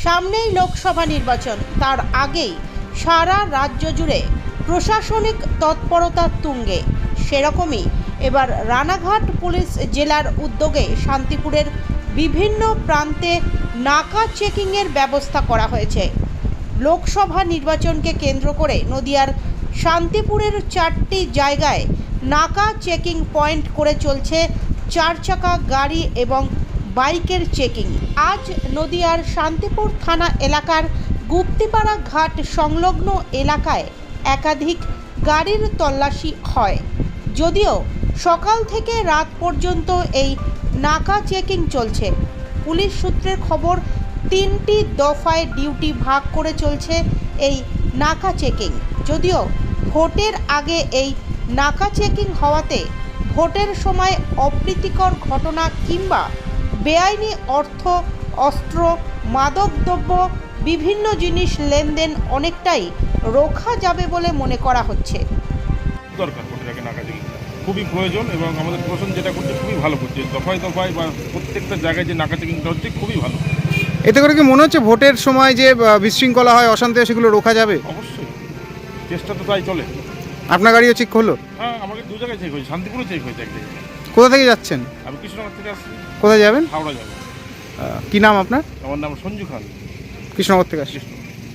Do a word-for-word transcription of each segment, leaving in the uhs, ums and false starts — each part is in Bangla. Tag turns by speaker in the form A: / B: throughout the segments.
A: সামনেই লোকসভা নির্বাচন, তার আগেই সারা রাজ্য জুড়ে প্রশাসনিক তৎপরতা তুঙ্গে। সেরকমই এবার রানাঘাট পুলিশ জেলার উদ্যোগে শান্তিপুরের বিভিন্ন প্রান্তে নাকা চেকিংয়ের ব্যবস্থা করা হয়েছে। লোকসভা নির্বাচনকে কেন্দ্র করে নদিয়ার শান্তিপুরের চারটি জায়গায় নাকা চেকিং পয়েন্ট করে চলছে চার চাকা গাড়ি এবং বাইকের চেকিং। আজ নদিয়ার শান্তিপুর থানা এলাকার গুপ্তিপাড়া ঘাট সংলগ্ন এলাকায় একাধিক গাড়ির তল্লাশি হয়। যদিও সকাল থেকে রাত পর্যন্ত এই নাকা চেকিং চলছে। পুলিশ সূত্রের খবর, তিনটি দফায় ডিউটি ভাগ করে চলছে এই নাকা চেকিং। যদিও ভোটের আগে এই নাকা চেকিং হওয়াতে ভোটের সময় অপ্রীতিকর ঘটনা কিংবা বেআইনি অর্থ, অস্ত্র, মাদকদ্রব্য বিভিন্ন জিনিস লেনদেন অনেকটাই রোখা যাবে বলে মনে করা হচ্ছে।
B: দরকার ভোটের আগে নাকা চেকিং খুবই প্রয়োজন এবং আমাদের প্রশাসন যেটা করছে খুবই ভালো করছে। দফায় দফায় বা প্রত্যেকটা জায়গায় যে নাকা চেকিংটা হচ্ছে খুবই ভালো।
C: এতে করে কি মনে হচ্ছে ভোটের সময় যে বিশৃঙ্খলা হয়, অশান্তি হয়, সেগুলো রোখা যাবে?
B: অবশ্যই, চেষ্টা তো তাই চলে।
C: আপনার গাড়িও চেক হলো?
B: হ্যাঁ, আমাকে দু জায়গায় চেক হয়েছে, শান্তিপুরে চেক হয়েছে এক জায়গায়।
C: কোথা থেকে যাচ্ছেন?
B: আমি কৃষ্ণনগর থেকে আসছি।
C: কোথায় যাবেন?
B: হাওড়া যাবো।
C: কি নাম আপনার?
B: আমার নাম সঞ্জু খান,
C: কৃষ্ণনগর থেকে আসছি।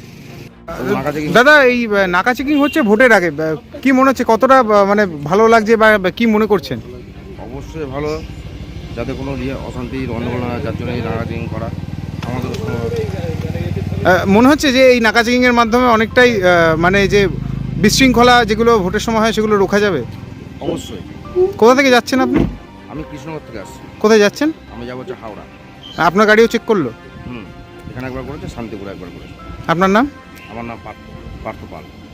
B: কৃষ্ণ।
C: দাদা, এই নাকা চেকিং হচ্ছে ভোটের আগে, কি মনে হচ্ছে, কতটা মানে ভালো লাগছে বা কি মনে করছেন?
D: অবশ্যই ভালো, যাতে কোনো ইয়ে অশান্তি গণ্ডগোল না হয়, যার জন্য এই নাকা চেকিং করা আমাদের
C: মনে হচ্ছে যে এই নাকা চেকিংয়ের মাধ্যমে অনেকটাই মানে যে বিশৃঙ্খলা যেগুলো ভোটের সময় হয় সেগুলো রোখা যাবে।
D: অবশ্যই।
C: কোথা থেকে যাচ্ছেন আপনি?
D: আমি কৃষ্ণনগর থেকে আসছি।
C: কোথায় যাচ্ছেন?
D: আমি যাবো হচ্ছে হাওড়া।
C: আপনার গাড়িও চেক করলো?
D: হুম, এখানে একবার করেছে, শান্তিপুরে একবার করেছে।
C: আপনার নাম?
D: আমার নাম পার্থ পার্থ পাল।